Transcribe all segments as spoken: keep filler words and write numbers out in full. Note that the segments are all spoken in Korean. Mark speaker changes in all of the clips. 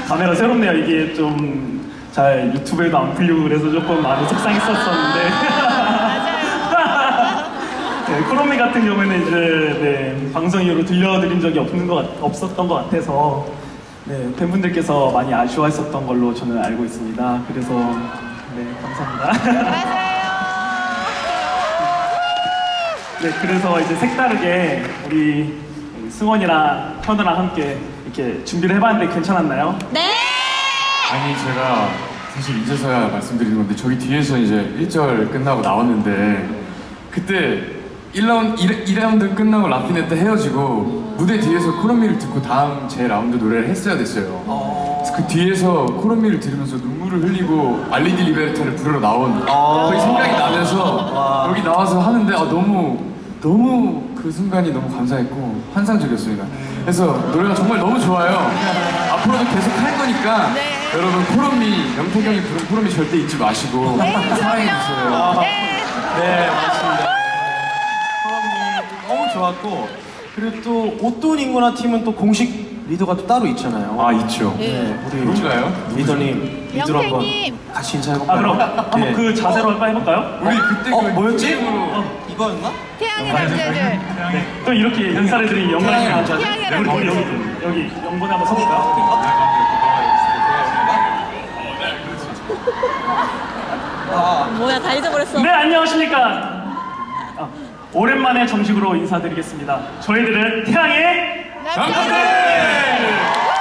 Speaker 1: 감회가 새롭네요. 이게 좀 잘 유튜브에도 안 풀리고 그래서 조금 많이 속상했었었는데. 네, 코로미 같은 경우에는 이제 네, 방송 이후로 들려드린 적이 없는 것 같, 없었던 것 같아서 네, 팬분들께서 많이 아쉬워했었던 걸로 저는 알고 있습니다. 그래서 네, 감사합니다.
Speaker 2: 맞아요.
Speaker 1: 네, 그래서 이제 색다르게 우리 승원이랑 현우랑 함께 이렇게 준비를 해봤는데 괜찮았나요?
Speaker 2: 네.
Speaker 3: 아니 제가 사실 이제서야 말씀드리는 건데 저기 뒤에서 이제 일 절 끝나고 나왔는데 그때 일 라운드, 일 라운드 끝나고 라피네 때 헤어지고 무대 뒤에서 코로미를 듣고 다음 제 라운드 노래를 했어야 됐어요. 그래서 그 뒤에서 코로미를 들으면서 눈물을 흘리고 알리디 리베르타를 부르러 나온 거의 생각이 나면서 여기 나와서 하는데 아, 너무 너무 그 순간이 너무 감사했고 환상적이었습니다. 그래서 노래가 정말 너무 좋아요. 앞으로도 계속 할 거니까
Speaker 2: 네.
Speaker 3: 여러분 코로미, 영택 형이 부른 코로미 절대 잊지 마시고
Speaker 2: 네,
Speaker 3: 사랑해주세요.
Speaker 2: 네.
Speaker 4: 네, 맞습니다. 너무 좋았고, 그리고 또 옷돈 인구나 팀은 또 공식 리더가 또 따로 있잖아요.
Speaker 3: 아 있죠.
Speaker 4: 네, 우리
Speaker 3: 누군가요?
Speaker 4: 리더님, 리더로 한번
Speaker 2: 영택님.
Speaker 4: 같이 인사해볼까요?
Speaker 1: 아 그럼 한번
Speaker 4: 네.
Speaker 1: 그 자세로 한번 해볼까요?
Speaker 3: 우리 그때
Speaker 4: 어,
Speaker 3: 그
Speaker 4: 뭐였지?
Speaker 3: 게임으로
Speaker 4: 어, 이거였나?
Speaker 2: 태양의 남자들.
Speaker 1: 네, 또 이렇게 인사를 드린 영광이랑
Speaker 2: 태양의
Speaker 1: 여기
Speaker 2: 남자들.
Speaker 1: 여기 여기 영분에 한번 서볼까요?
Speaker 2: 뭐야, 다 잊어버렸어.
Speaker 1: 네, 안녕하십니까. 아, 오랜만에 정식으로 인사드리겠습니다. 저희들은 태양의
Speaker 2: 남자들.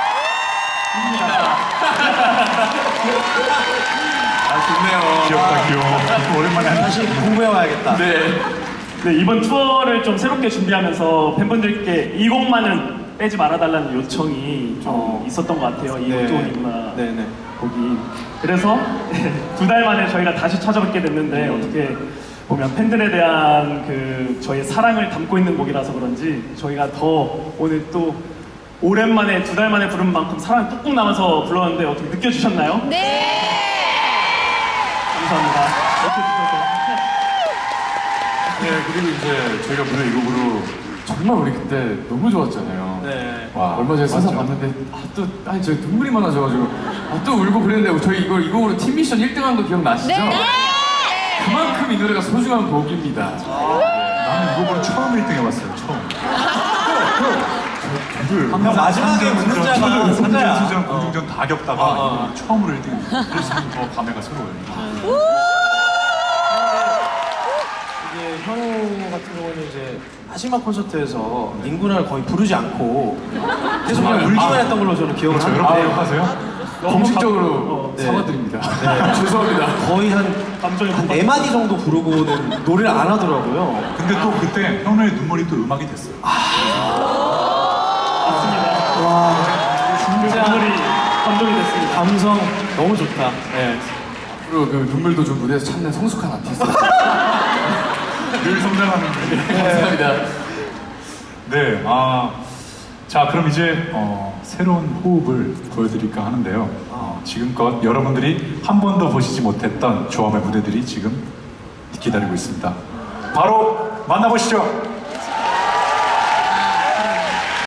Speaker 3: 아 좋네요.
Speaker 5: 귀엽다 귀여워. 오랜만에 한
Speaker 4: 다시 공부해와야겠다.
Speaker 3: 네.
Speaker 1: 네, 이번 투어를 좀 새롭게 준비하면서 팬분들께 이 곡만은 빼지 말아달라는 요청이 좀
Speaker 4: 어.
Speaker 1: 있었던 것 같아요. 이
Speaker 4: 네.
Speaker 1: 옷돈이구나
Speaker 4: 네, 네.
Speaker 1: 곡이. 그래서 두 달 만에 저희가 다시 찾아뵙게 됐는데 어떻게 보면 팬들에 대한 그 저희의 사랑을 담고 있는 곡이라서 그런지 저희가 더 오늘 또 오랜만에 두 달 만에 부른 만큼 사랑이 뚝뚝 남아서 불렀는데 어떻게 느껴주셨나요?
Speaker 2: 네.
Speaker 1: 감사합니다. 이렇게 주셔서.
Speaker 3: 네 그리고 이제 저희가 무대 이 곡으로 정말 우리 그때 너무 좋았잖아요.
Speaker 4: 네.
Speaker 3: 와 얼마 전에 서서 봤는데 아또 아니 저 눈물이 많아져가지고 아 또 울고 그랬는데 저희 이걸 이 곡으로 팀 미션 일 등 한 거 기억나시죠?
Speaker 2: 네.
Speaker 3: 그만큼 이 노래가 소중한 곡입니다.
Speaker 5: 나는 이 곡으로 처음 일 등 해봤어요. 처음. 그
Speaker 4: 형 마지막에 웃는 자가 승자야.
Speaker 5: 수전, 공중전 다 겪다가
Speaker 4: 아, 아.
Speaker 5: 이번에 처음으로 일 등 했어요. 그래서 더 감회가 새로워요.
Speaker 4: 이게 현우 같은 경우는 이제 마지막 콘서트에서 닝구나를 거의 부르지 않고 계속 그냥 울기만 했던 걸로 저는 기억을
Speaker 5: 그렇죠. 여러분
Speaker 4: 하는데
Speaker 5: 기억하세요?
Speaker 3: 공식적으로
Speaker 1: 어,
Speaker 4: 네.
Speaker 3: 사과드립니다. 죄송합니다.
Speaker 4: 거의 한
Speaker 1: 감정이
Speaker 4: 한 네 마디 정도 부르고는 노래를 안 하더라고요.
Speaker 5: 근데 또 그때 현우의 눈물이 또 음악이 됐어요.
Speaker 1: 맞습니다.
Speaker 4: 와,
Speaker 1: 그
Speaker 4: 진짜
Speaker 1: 오늘이 감동이 됐습니다.
Speaker 4: 감성 너무 좋다. 네.
Speaker 3: 그리고 그 눈물도 좀 무대에서 찾는 성숙한 아티스트.
Speaker 5: 늘 성장하는 분이.
Speaker 3: 감사합니다.
Speaker 5: 네, 아, 자 그럼 이제 어, 새로운 호흡을 보여드릴까 하는데요. 어, 지금껏 여러분들이 한 번도 보시지 못했던 조합의 무대들이 지금 기다리고 있습니다. 바로 만나보시죠.